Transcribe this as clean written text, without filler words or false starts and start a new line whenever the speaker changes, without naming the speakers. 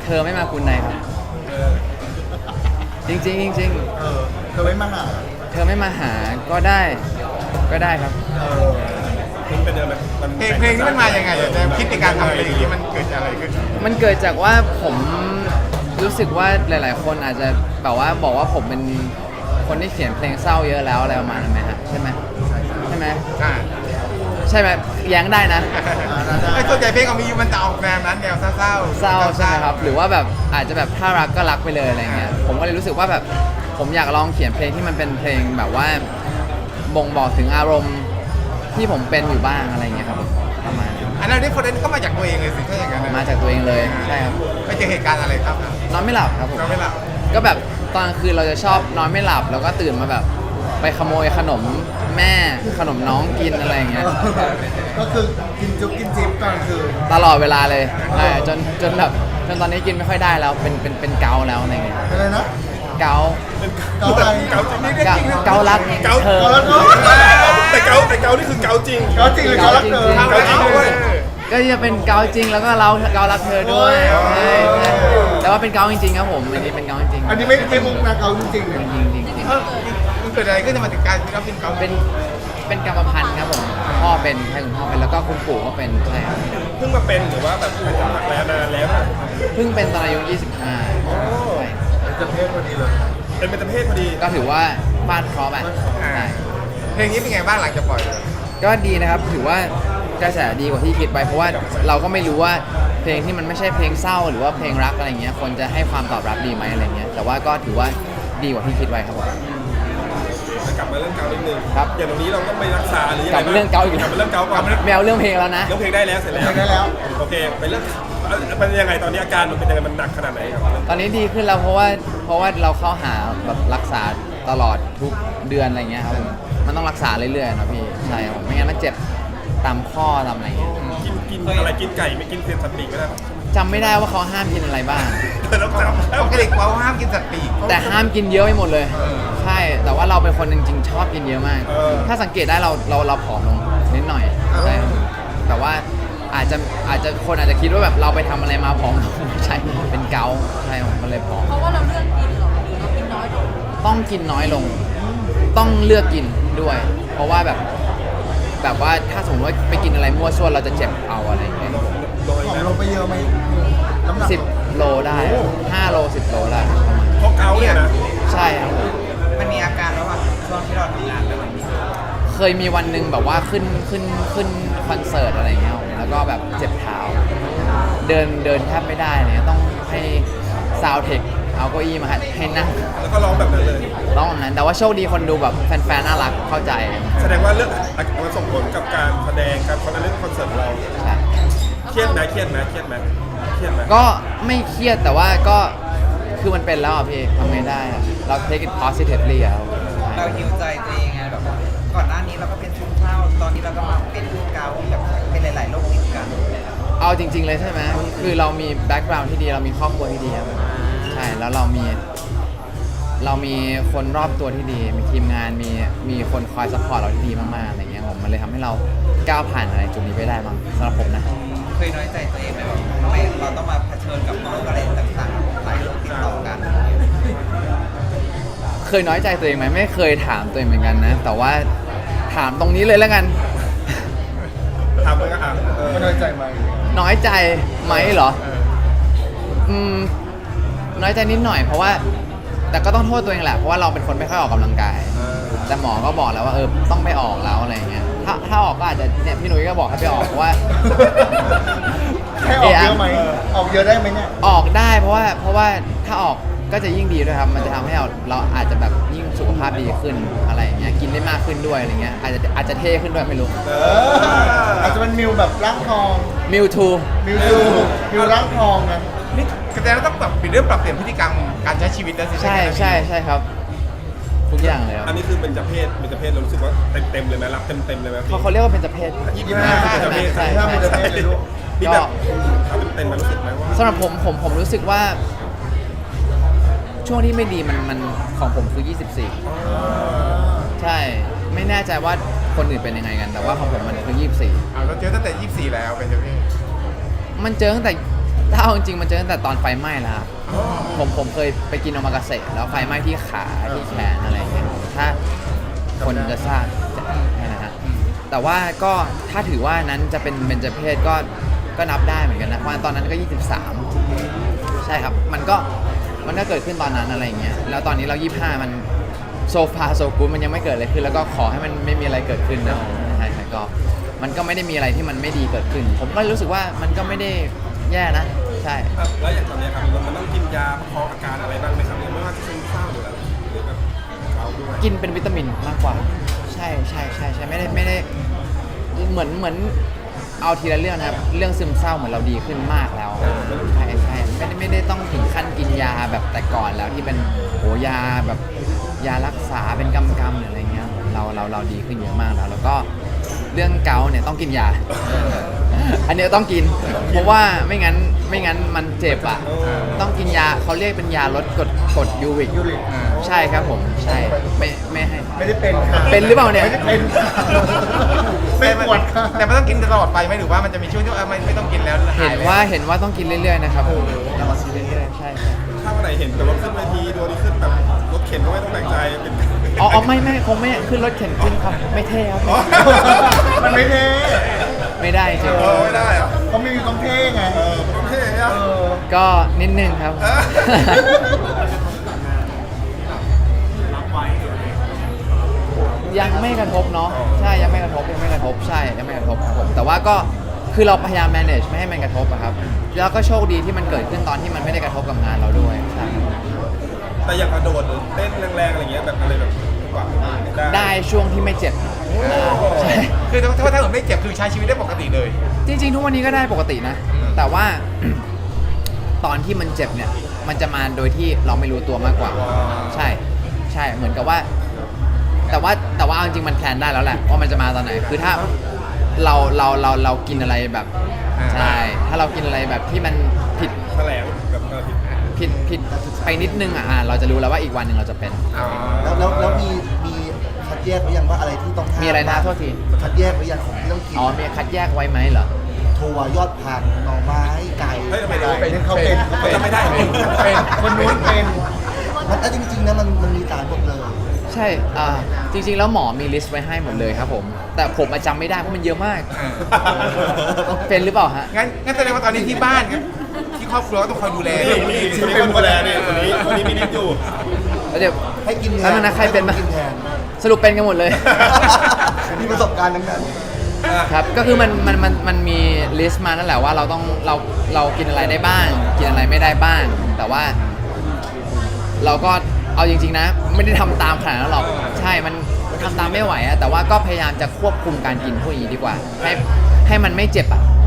อไม่มาคุณในครับจริงจริง
เธอไม่มาหา
เธอไม่มาหาก็ได้ครับ
มันเป็นอะไร
เพลงนี้มันมายังไงแนวคิดในการทำเพลงนี้มันเกิดอะไรขึ้น
มันเกิดจากว่าผมรู้สึกว่าหลายๆคนอาจจะแบบว่าบอกว่าผมเป็นคนที่เขียนเพลงเศร้าเยอะแล้วอะไรประมาณนั้นไหมฮะใช่ไหมใช่ไหมใช่ไหมแย้งได้นะ
ไอ้ตัวใจเพลงของมีมันจะออกแนวนั้นแนวเศร้า
ใช่ไหมครับหรือว่าแบบอาจจะแบบถ้ารักก็รักไปเลยอะไรเงี้ยผมก็เลยรู้สึกว่าแบบผมอยากลองเขียนเพลงที่มันเป็นเพลงแบบว่าบ่งบอกถึงอารมณ์ที่ผมเป็นอยู่บ้างอะไรเงี้ยครับประมาณ
อันนั้นที่คนนั้นก็มาจากตัวเองเลยสิถ้าอย่างนั้น
มาจากตัวเองเลยใช่ครับ
ไปเจอเหตุการณ์อะไรครับ
นอนไม่หลับครับผม
นอนไม่หลับ
ก็แบบตอนคืนเราจะชอบนอนไม่หลับแล้วก็ตื่นมาแบบไปขโมยขนมแม่ขนมน้องกินอะไรอย่างเงี้ย
ก็คือกินจุ๊บกินจิ๊บตอนคือ
ตลอดเวลาเลยจนแบบจนตอนนี้กินไม่ค่อยได้แล้วเป็นเกาแล้วอะไรเงี้ย
อะไรนะ
เกา
อะไร
เกาลักเธอ
แต่เกานี่คือเกาจริง
เกาจริงหรือเกาลักเธอ
ก็จะเป็นเกาจริงแล้วก็เกาลักเธอด้วยแต่ว่าเป็นเกาจริงๆครับผมอันนี้เป็นเกาจริง
อันนี้ไม่มุกนะเกาจริง
จริง
มันเกิดอะไรขึ้นมาถึงการที่เราเป็นเกา
เป็นกรรมพันธุ์ครับผมพ่อเป็นใช่คุณพ่อเป็นแล้วก็คุณปู่ก็เป็นใช่ครับ
เพิ่งมาเป็นหรือว่าแบบเป็นจากแล้วนานแล้ว
เพิ่งเป็นตอนอายุ25ใช่
จะเพศพอดีเลย
เป็นเบญจเพศพอดี
ก็ถือว่าฟาดเคราะห์แบบ
เพลงนี้เป็นไงบ้างหลังจากปล่อย
ก็ดีนะครับถือว่ากระแสดีกว่าที่คิดไปเพราะว่าเราก็ไม่รู้ว่าเพลงที่มันไม่ใช่เพลงเศร้าหรือว่าเพลงรักอะไรเงี้ยคนจะให้ความตอบรับดีไหมอะไรเงี้ยแต่ว่าก็ถือว่าดีกว่าที่คิดไว้ครับผม
กลับมาเรื่องเกานิดนึง
ครับ
อย่างตรงนี้เราต้องไปรักษาหรือยังไง
กลับมาเรื่องเกาอีก
กลับมาเรื่องเกาก่อน
แมวเรื่องเพลงแล้วนะ
เรื่องเพลงได้แล้วเสร็จแล้วโอเคไปเรื่องเป็นยังไงตอนนี้อาการมันเป็นยังไงมันหนักขนาดไหนครับ
ตอนนี้ดีขึ้นแล้วเพราะว่าเราเข้าหาแบบรักษาตลอดทุกเดือนอะไรเงี้ยครับมันต้องรักษาเรื่อยๆนะพี่ใช่ผมไม่งั้นมันเจ็บตามข้อตามอะไรเงี้ย
กินอะไรกินไก่ไม่กินเศษสัตว์ปีกก็ได้
จำไม่ได้ว่าเขาห้ามกินอะไรบ้าง
ต้องจำปกติเขาห้ามกินสัตว์ปีก
แต่ห้ามกินเยอะไปหมดเลยใช่แต่ว่าเราเป็นคนจริงๆชอบกินเยอะมากถ้าสังเกตได้เราผอมลงนิดหน่อยใช่แต่ว่าอาจจะคนอาจจะคิดว่าแบบเราไปทำอะไรมาผอมไม่ใช่เป็นเกาใช่มันเลยผอม
เพราะว่าเราเลือกกินหรอเรากินน้อยลง
ต้องกินน้อยลงต้องเลือกกินด้วยเพราะว่าแบบว่าถ้าสมมติว่าไปกินอะไรมั่วซั่วเราจะเจ็บเอาอะไรอย่างเงี้ย
ของลงไปเยอะไหมน้ำหนัก
10 โลได้5 โล 10 โลได้
เพราะเกาเนี่ยนะ
ใช่ครับ
มันมีอาการแล้วว่าช่วงที่เราทำงานแล้วมัน
เคยมีวันหนึ่งแบบว่าขึ้นคอนเสิร์ตอะไรเงี้ยแล้วก็แบบเจ็บเท้าเดินแทบไม่ได้เนี่ยต้องให้ซาวเทคเอาเก้าอี้มาให้นั่ง
แล้วก็ร้องแบบนั้นเลย
ร้องแบบนั้นแต่ว่าโชคดีคนดูแบบแฟนๆน่ารักเข้าใจ
แสดงว่าเรื่องมันส่งผลกับการแสดงการเล่นคอนเสิร์ตเราเครียดไหม
ก็ไม่เครียดแต่ว่าก็คือมันเป็นแล้วอ่ะพี่ทำไงได้เรา take it positively
เราหิวใจตัวเองไงแบบก่อนหน้านี้เราก็เป็นซึมเศร้าตอนนี้เราก็มาเป็นเกาแบบเป็นหลายๆโรคติดกัน
เอาจริงๆเลยใช่ไหมคือเรามีแบ็กกราวด์ที่ดีเรามีครอบครัวที่ดีครับใช่แล้วเรามีคนรอบตัวที่ดีมีทีมงานมีคนคอยซัพพอร์ตเราที่ดีมากๆอะไรเงี้ยผมมันเลยทำให้เราก้าวผ่านอะไรจุดนี้ไปได้บ้างสำหรับผมนะ
เคยน้อยใจตัวเองไหมแบบทำไมเราต้องมาเผชิญกับโรคอะไรต่างๆหลายโรคติดต่อกัน
เคยน้อยใจตัวเองไหมไม่เคยถามตัวเองเหมือนกันนะแต่ว่าถามตรงนี้เลยแล้วกัน
ถามเลยก็ถาม
น้อยใจไหม
น้อยใจไหมเหรอน้อยใจนิดหน่อยเพราะว่าแต่ก็ต้องโทษตัวเองแหละเพราะว่าเราเป็นคนไม่ค่อยออกกำลังกายแต่หมอก็บอกแล้วว่าต้องไปออกแล้วอะไรเงี้ยถ้าออกก็อาจจะเนี่ยพี่หนุ่ยก็บอกให้ไปออกเพราะว่า
ให้ออกเยอะไหมออกเยอะได้ไหมเนี่ย
ออกได้เพราะว่าถ้าออกก็จะยิ่งดีด้วยครับมันจะทำให้เราอาจจะแบบยิ่งสุขภาพดีขึ้นอะไรอย่างเงี้ยกินได้มากขึ้นด้วยอะไรเงี้ยอาจจะเท่ขึ้นด้วยไม่รู้
อาจจะเป็นมิวแบบร่างทอง
มิว
ร่างทองนะ
นี่แสดงว่าต้องปรับเปลี่ยนพฤติกรรมการใช้ชีวิตแล้วสิ
ใช่ครับทุกอย่างเลยครับ
อันนี้คือเป็นเเพศเรารู้สึกว่าเต็มเลยไหมรับเต็มเลยไหม
เขาเรียกว่าเป็นเพศ
25
ใช่เลยลูก
ก็เต็มรู้สึกไหมว่า
สำหรับผมรู้สึกว่าช่วงที่ไม่ดีมันของผมคือ24ใช่ไม่แน่ใจว่าคนอื่นเป็นยังไงกันแต่ว่าของผมมันคือ24
เราเจอตั้งแต่24แล้วเป็นยังไง
มันเจอตั้งแต่ถ้าเอาจริงๆมันเจอตั้งแต่ตอนไฟไหม้แล้วครับผมเคยไปกินโอมากาเสะแล้วไฟไหม้ที่ขาที่แขนอะไรอย่างเงี้ยถ้าคนจะทราบนะฮะแต่ว่าก็ถ้าถือว่านั้นจะเป็นเบญจเพศก็นับได้เหมือนกันนะเพราะตอนนั้นก็ 23 ใช่ครับมันก็เกิดขึ้นตอนนั้นอะไรอย่างเงี้ยแล้วตอนนี้เรา 25 มันโซฟาโซกูดมันยังไม่เกิดอะไรขึ้นแล้วก็ขอให้มันไม่มีอะไรเกิดขึ้นนะใช่ก็มันก็ไม่ได้มีอะไรที่มันไม่ดีเกิดขึ้น ผมก็รู้สึกว่ามันก็ไม่ได้แย่นะใช่
แล้วอย่างตอนนี้ครับมันต้องกินยาประคองอาการอะไรบ้างไหมครับไม่ว่าจะซึมเศร้าหรืออะไรหรือแบบเขาด้วย
กินเป็นวิตามินมากกว่าใช่ไม่ได้เหมือนเอาทีละเรื่องนะครับเรื่องซึมเศร้าเหมือนเราดีขึ้นมากแล้วใช่ไม่ได้ต้องถึงขั้นกินยาแบบแต่ก่อนแล้วที่เป็นโหยาแบบยารักษาเป็นกำหรืออะไรเงี้ยเราดีขึ้นเยอะมากแล้วก็เรื่องเกาต์เนี่ยต้องกินยา อันเนี้ยต้องกินเพราะว่าไม่งั้นมันเจ็บอ่ะต้องกินยาเขาเรียกเป็นยาลดกรดยูริกใช่ครับผมใช่ไม่ให้
ไม่ได้เป็นค่ะ
เป็นหรือเปล่าเนี่ย
ไม่ได้เป็นค่ะไม่ปวดค่ะ
แต่มันต้องกินตลอดไปไหมหรือว่ามันจะมีช่วงที่ไม่ต้องกินแล้วหย
เห็นว่าต้องกินเรื่อยๆนะครับเรามากินเรื่อยๆใช่
ถ้าวันไหนเห็นแต่ว่าขึ้นเวทีโดนขึ้นแบบรถเข็นก็ไม่ต้องแปลกใจเป็น
อ๋อไม่คงไม่ขึ้นรถเข็นขึ้นครับไม่เท่ครับ
มันไม่เท่
ไม่ได้จริง
ไม่ได้อะ
เขาไม่มีความเท่ไง
มันเท่อะ
ก็นิดนึงครับ ยังไม่กระทบเนาะใช่ยังไม่กระทบใช่ยังไม่กระทบครับผมแต่ว่าก็คือเราพยายาม manage ไม่ให้มันกระทบอะครับแล้วก็โชคดีที่มันเกิดขึ้นตอนที่มันไม่ได้กระทบกับงานเราด้วยใช่
แต่อย่างกระโดดหรือเต้นแรงๆอะไรเงี้ยแบบอะไรแบบกว่า
ได้ช่วงที่ไม่เจ็บใช่
คือถ้าเกิดไม่เจ็บคือใช้ชีวิตได้ปกติเลย
จริงๆทุกวันนี้ก็ได้ปกตินะ แต่ว่า ตอนที่มันเจ็บเนี่ยมันจะมาโดยที่เราไม่รู้ตัวมากกว่า ใช่เหมือนกับว่า แต่ว่าเอาจริงๆมันแพลนได้แล้วแหละว่ามันจะมาตอนไหนคือถ้าเรากินอะไรแบบ ใช่ถ้าเรากินอะไรแบบที่มันผิด
แถลงแบบ
ผิดไปนิดนึงเราจะรู้แล้วว่าอีกวันหนึ่งเราจะเป็น
แล้วมีคัดแยกหรือยังว่าอะไรที่ต้องห้าม
มีอะไรนะโทษที
คัดแยกหรือยังของที่ต้องกิน
อ๋อมีคัดแยกไว้ไหมเหรอ
ถั่วยอดผักหน่อไม้ไก่
เฮ้ยทำไมได้
เป็นเขาเป็น
เขาจะไม่ได้
เป็น
คนนู้นเป็นมันจริงๆนะมันมีสารหมดเลย
ใช่จริงๆแล้วหมอมีลิสต์ไว้ให้หมดเลยครับผม แต่ผมจำไม่ได้เพราะมันเยอะมาก เป็นหรือเปล่าฮะ
งั้นแสดงว่าตอนนี้ที่บ้านครับที่ครอบครัวก็ต้องคอยดูแล
นี่เป็นคนแลนี่คนนี้มีนิดอยู่
แล้วเดี๋ยว
ให้กินแท
แล้วนะใครเป็น
ให้
บ้าง
กินแทน
สรุปเป็นกันหมดเลย
มีประสบการณ์ทั้งนั้น
ครับ ก็คือมันมีลิสต์มานั่นแหละว่าเรากินอะไรได้บ้าง กินอะไรไม่ได้บ้าง แต่ว่า เราก็เอาจริงๆนะ ไม่ได้ทำตามขนาดนั้นหรอก ใช่มันทำตามไม่ไหวอะแต่ว่าก็พยายามจะควบคุมการกินพวกนี้ดีกว่า ให้มันไม่เจ็บอะ